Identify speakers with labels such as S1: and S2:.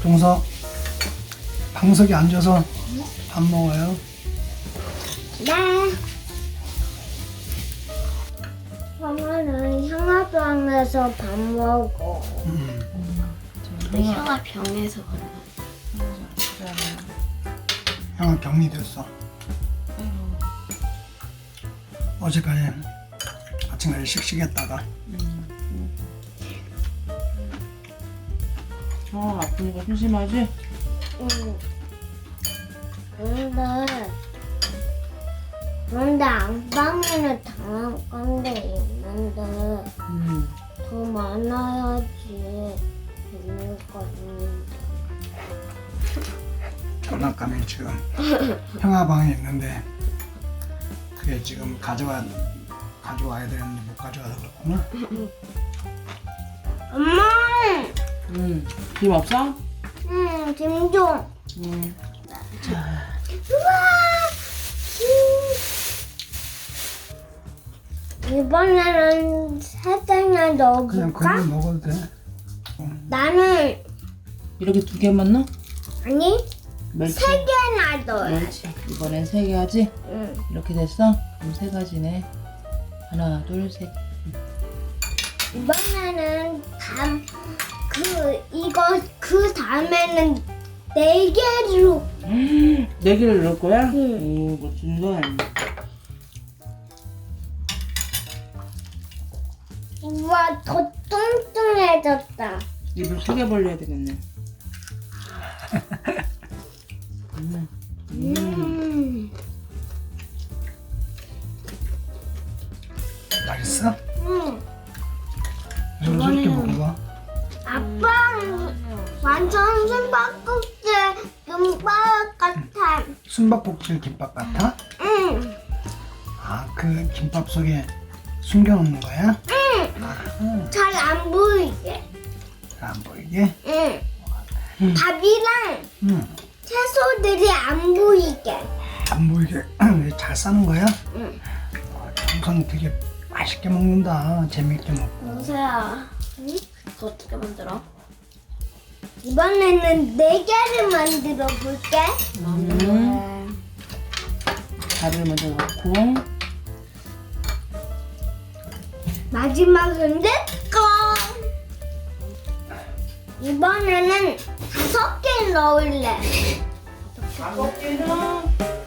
S1: 동서 방석에 앉아서 밥 먹어요.
S2: 네. 엄마는 형아병에서 밥 먹어. 형아병에서
S1: 형은 병이 됐어. 어제까지 아침까지 씩씩했다가
S3: 아프니까 심심하지?
S2: 응. 근데 안방에는 당한 건데 있는데 더 많아야지 재미가 있는데.
S1: 장난감이 지금 형아 방에 있는데 그게 지금 가져와야 되는데 못 가져와서 그렇구나.
S2: 엄마!
S3: 김 없어?
S2: 김 좀. 우와! 이번에는 살짝만
S1: 그냥
S2: 넣어볼까?
S1: 그냥 먹어도 돼.
S2: 나는
S3: 이렇게 2개만 넣어?
S2: 아니
S3: 멸치.
S2: 3개나 넣어야 돼.
S3: 멸치. 이번엔 3개 하지?
S2: 응.
S3: 이렇게 됐어? 그럼 3가지네. 하나, 둘, 셋.
S2: 이번에는 그 다음에는 4개로.
S3: 4개를 넣을 거야?
S2: 응.
S3: 오, 멋진데.
S2: 우와, 더 뚱뚱해졌다.
S3: 입을 크게 벌려야 되겠네.
S1: 맛있어?
S2: 응.
S1: 이렇게 먹어봐.
S2: 아빠 완전 숨바꼭질 김밥 같아.
S1: 숨바꼭질 김밥 같아?
S2: 응.
S1: 아, 그 김밥 속에 숨겨놓는 거야?
S2: 잘 안 보이게.
S1: 안 보이게?
S2: 응. 밥이랑 채소들이 안 보이게.
S1: 안 보이게 잘 싸는 거야?
S2: 응.
S1: 항상 되게 맛있게 먹는다. 재밌게 먹고.
S2: 영서야, 그거 어떻게 만들어? 이번에는 4개를 만들어 볼게.
S3: 밥을 먼저 넣고.
S2: 마지막은 내 거. 이번에는 5개 넣을래.
S3: 5개는